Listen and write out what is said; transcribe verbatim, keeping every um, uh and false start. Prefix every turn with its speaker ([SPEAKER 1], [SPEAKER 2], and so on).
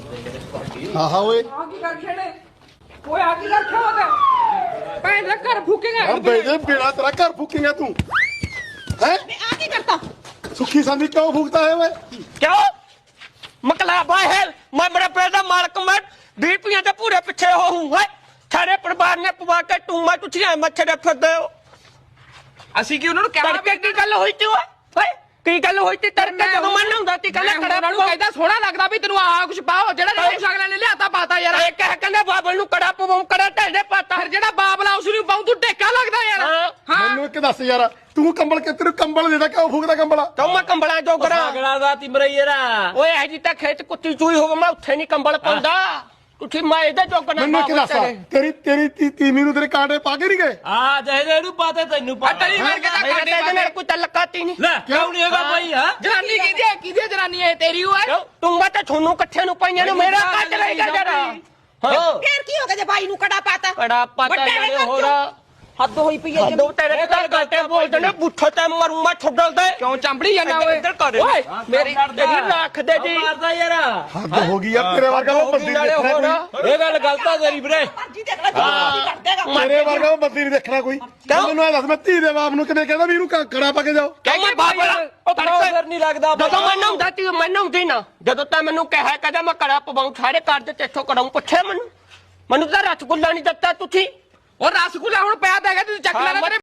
[SPEAKER 1] ਹਾਂ ਹਾਂ ਓਏ
[SPEAKER 2] ਆ ਕੀ ਕਰ ਛੇੜੇ ਓਏ ਆ ਕੀ ਰੱਖਿਆ ਉਹਦਾ ਭੈਣ ਦਾ ਘਰ ਫੂਕੇਗਾ
[SPEAKER 1] ਆ ਬੇਜੇ ਬਿਨਾ ਤੇਰਾ ਘਰ ਫੂਕੇਗਾ ਤੂੰ ਹੈ
[SPEAKER 2] ਆ ਕੀ ਕਰਤਾ
[SPEAKER 1] ਸੁੱਖੀ ਸੰਦੀ ਕਿਉਂ ਫੂਕਦਾ ਹੈ ਓਏ
[SPEAKER 3] क्यों मकलाबा है मैं मेरे पेट का मालक मैं बीपियां के पूरे पीछे हो हूं है सारे परिवार ने पवा के तू मैं तुझे मच्छर फिरदे हो
[SPEAKER 2] ਅਸੀਂ ਕੀ ਉਹਨਾਂ ਨੂੰ ਕਹਿਣਾ
[SPEAKER 3] तड़के की गल हुई थी ओए की गल हुई थी तड़के जब मैं नहाउंदा ती कहना
[SPEAKER 2] ਉਹਨਾਂ
[SPEAKER 3] कड़ा
[SPEAKER 2] ਨੂੰ ਕਹਿੰਦਾ ਸੋਹਣਾ ਲੱਗਦਾ ਵੀ ਤੈਨੂੰ ਆਹ ਕੁਛ ਪਾਓ ਜਿਹੜਾ ਜਿਹੜਾ ਕੁਛ ਅਗਲੇ ਨੇ ਲਿਆਤਾ ਪਾਤਾ ਯਾਰ
[SPEAKER 3] ਇਹ ਕਹਿ ਕਹਿੰਦਾ ਬਾਬਲ ਨੂੰ ਕੜਾ ਪਵਾਉਂ ਕੜਾ ਢੇਡੇ ਪਾਤਾ
[SPEAKER 2] ਫਿਰ ਜਿਹੜਾ ਬਾਬਲਾ ਉਸ ਨੂੰ ਪਾਉਂ ਤੂੰ ਟੇਕਾ ਲੱਗਦਾ ਯਾਰ
[SPEAKER 3] ਹਾਂ।
[SPEAKER 2] ਹਾਂ
[SPEAKER 1] ਮੈਨੂੰ ਇੱਕ ਦੱਸ ਯਾਰ ਤੂੰ ਕੰਬਲ ਕਿ ਤੈਨੂੰ ਕੰਬਲ ਦੇਦਾ ਕਿਉਂ ਫੂਕਦਾ ਕੰਬਲ
[SPEAKER 3] तो मैं कंबला जोगरा
[SPEAKER 4] ਸਾਗੜਾ ਦਾ ਤਿਮਰਈਰਾ
[SPEAKER 3] ओए हजी तक खेत कुत्ती चूई हो मैं उत्थे नहीं कंबल पाਉਂਦਾ ਤੁਸੀਂ ਮੈਂ ਇਹਦੇ ਜੋਗਣਾ
[SPEAKER 1] ਮੈਨੂੰ ਇੱਕ ਦੱਸ ਤੇਰੀ ਤੇਰੀ ਤੀ- ਤੀਵੀਂ ਨੂੰ ਤੇਰੇ ਕਾਂਟੇ ਪਾ ਕੇ ਨਹੀਂ ਗਏ
[SPEAKER 4] ਆ ਜਿਹਦੇ ਨੂੰ ਪਾਤੇ ਤੈਨੂੰ
[SPEAKER 2] ਆ
[SPEAKER 4] ਪਾਤਾ
[SPEAKER 2] ਤੇਰੀ ਵਰਗੇ ਤਾਂ
[SPEAKER 3] ਮੇਰੇ
[SPEAKER 2] ਕਾਂਡੇ
[SPEAKER 3] ਤੇ
[SPEAKER 2] ਪਾ
[SPEAKER 3] ਮੇਰੇ
[SPEAKER 2] ਕੇ
[SPEAKER 3] ਕੋਈ ਤਲਕਾਤੀ ਨਹੀਂ
[SPEAKER 4] ਲੈ ਕਿਉਂ ਨਹੀਂ ਹੈਗਾ ਭਾਈ ਹਾਂ
[SPEAKER 2] ਜਨਾਨੀ ਕਿਹਦੀ ਹੈ ਕਿਹਦੀ ਹੈ ਜਨਾਨੀ ਹੈ ਤੇਰੀ ਓਏ
[SPEAKER 3] ਕਿਉਂ ਤੂੰ ਮੈਂ ਤਾਂ ਤੁਹਾਨੂੰ ਇਕੱਠਿਆਂ ਨੂੰ ਪਾਈਆਂ ਨੇ ਮੇਰਾ ਕੱਟ ਰਹੇਗਾ ਜਰਾ
[SPEAKER 5] ਫੇਰ ਕੀ ਹੋ ਗਿਆ ਜੇ ਬਾਈ ਨੂੰ ਕੜਾ ਪਾਤਾ
[SPEAKER 3] ਕੜਾ ਪਤਾ
[SPEAKER 5] ਵੱਡੇ
[SPEAKER 3] ਜਾਣੇ
[SPEAKER 5] ਘਰ
[SPEAKER 3] ਹੋਰ
[SPEAKER 5] ਹੱਦ ਹੋਈ ਪਈ ਹੈ
[SPEAKER 3] ਹੱਦੋਂ ਤੇਰੇ ਘਰ ਗੱਟੇ ਬੋਲਦੇ ਨੇ ਬੁੱਠੇ ਤੇ ਮਰੂ ਮੈਂ ਛੱਡਲ ਦੇ
[SPEAKER 2] ਕਿਉਂ ਚੰਬੜੀ ਜਾਂਦਾ ਓਏ
[SPEAKER 3] ਇੱਧਰ ਕਰ
[SPEAKER 2] ਓਏ
[SPEAKER 3] ਮੇਰੀ ਤੇਰੀ ਰੱਖ ਦੇ ਜੀ
[SPEAKER 4] ਮਾਰਦਾ ਯਾਰ
[SPEAKER 1] ਹੱਦ ਹੋ ਗਈ ਆ ਤੇਰੇ ਵਰਗਾ ਉਹ ਬੰਦੀ
[SPEAKER 3] ਨਾਲੇ
[SPEAKER 1] ਨਹੀਂ
[SPEAKER 3] ਹੋਰ
[SPEAKER 1] ਦੇਖਣਾ ਕੋਈ
[SPEAKER 4] ਇਹ ਗੱਲ ਗਲਤ ਆ ਤੇਰੀ ਵੀਰੇ
[SPEAKER 5] ਮਰਜੀ ਦੇਖ ਲੈ ਜੀ ਕਰ ਦੇਗਾ
[SPEAKER 1] ਤੇਰੇ ਵਰਗਾ ਉਹ ਬੰਦੀ ਨਹੀਂ ਦੇਖਣਾ ਕੋਈ ਮੈਨੂੰ ਇਹ ਦੱਸ ਮੈਂ ਧੀ ਦੇ ਬਾਪ ਨੂੰ ਕਿਵੇਂ ਕਹਿੰਦਾ ਵੀ ਇਹਨੂੰ ਕੜਾ ਪਾ ਕੇ ਜਾਓ
[SPEAKER 3] ਕਿਉਂ ਮੈਂ ਬਾਬਲਾ ਉਹ
[SPEAKER 4] ਤੜਕਾ ਫਿਰ ਨਹੀਂ ਲੱਗਦਾ
[SPEAKER 3] ਜਦੋਂ ਮੈਂ ਨਹਾਉਂਦਾ ਤੀ ਮੈਂ ਨਹਾਉਂਦੀ ਨਾ ਜਦੋਂ ਤਾਂ ਮੈਨੂੰ ਕਹਿਆ ਕਦਾ ਮੈਂ ਕੜਾ ਪਵਾਉਂ ਸਾਰੇ ਘਰ ਦੇ ਤੇਥੋਂ ਕੜਾਉਂ ਪੁੱਛਿਆ ਮੈਨੂੰ ਮੈਨੂੰ ਤਾਂ ਰਸਗੁੱਲਾ ਨਹੀਂ ਦਿੱਤਾ ਤੁਸੀਂ
[SPEAKER 2] ਉਹ ਰਸਗੁੱਲਾ ਹੁਣ ਪਿਆ ਤਾਂ ਹੈਗਾ ਤੂੰ ਚੱਕ ਲੈਣਾ ਤੇਰੇ